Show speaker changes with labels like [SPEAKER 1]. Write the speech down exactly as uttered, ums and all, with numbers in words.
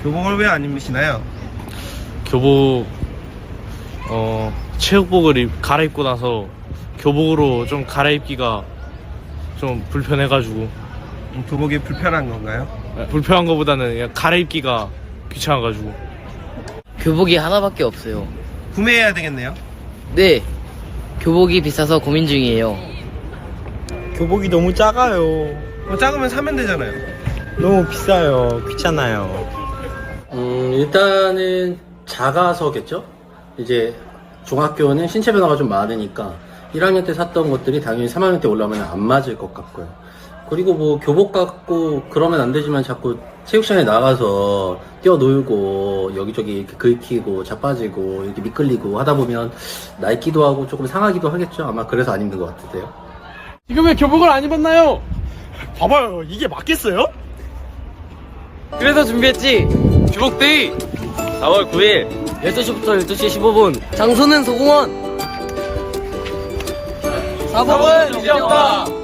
[SPEAKER 1] 교복을 왜 안 입으시나요?
[SPEAKER 2] 교복 어 체육복을 입, 갈아입고 나서 교복으로 좀 갈아입기가 좀 불편해가지고.
[SPEAKER 1] 음, 교복이 불편한 건가요?
[SPEAKER 2] 불편한 것보다는 그냥 갈아입기가 귀찮아가지고.
[SPEAKER 3] 교복이 하나밖에 없어요.
[SPEAKER 1] 구매해야 되겠네요.
[SPEAKER 3] 네, 교복이 비싸서 고민 중이에요.
[SPEAKER 4] 교복이 너무 작아요.
[SPEAKER 1] 뭐 작으면 사면 되잖아요.
[SPEAKER 4] 너무 비싸요. 귀찮아요.
[SPEAKER 5] 음, 일단은 작아서겠죠? 이제 중학교는 신체 변화가 좀 많으니까 일 학년 때 샀던 것들이 당연히 삼 학년 때 올라오면 안 맞을 것 같고요. 그리고 뭐 교복 갖고 그러면 안 되지만 자꾸 체육장에 나가서 뛰어놀고 여기저기 이렇게 긁히고 자빠지고 이렇게 미끌리고 하다 보면 낡기도 하고 조금 상하기도 하겠죠. 아마 그래서 안 입는 것 같은데요.
[SPEAKER 2] 지금 왜 교복을 안 입었나요?
[SPEAKER 4] 봐봐요. 이게 맞겠어요?
[SPEAKER 3] 그래서 준비했지.
[SPEAKER 2] 교복데이 사월 구일
[SPEAKER 3] 열두 시부터 열두 시 십오 분. 장소는 소공원. 사 번은 이제 없다.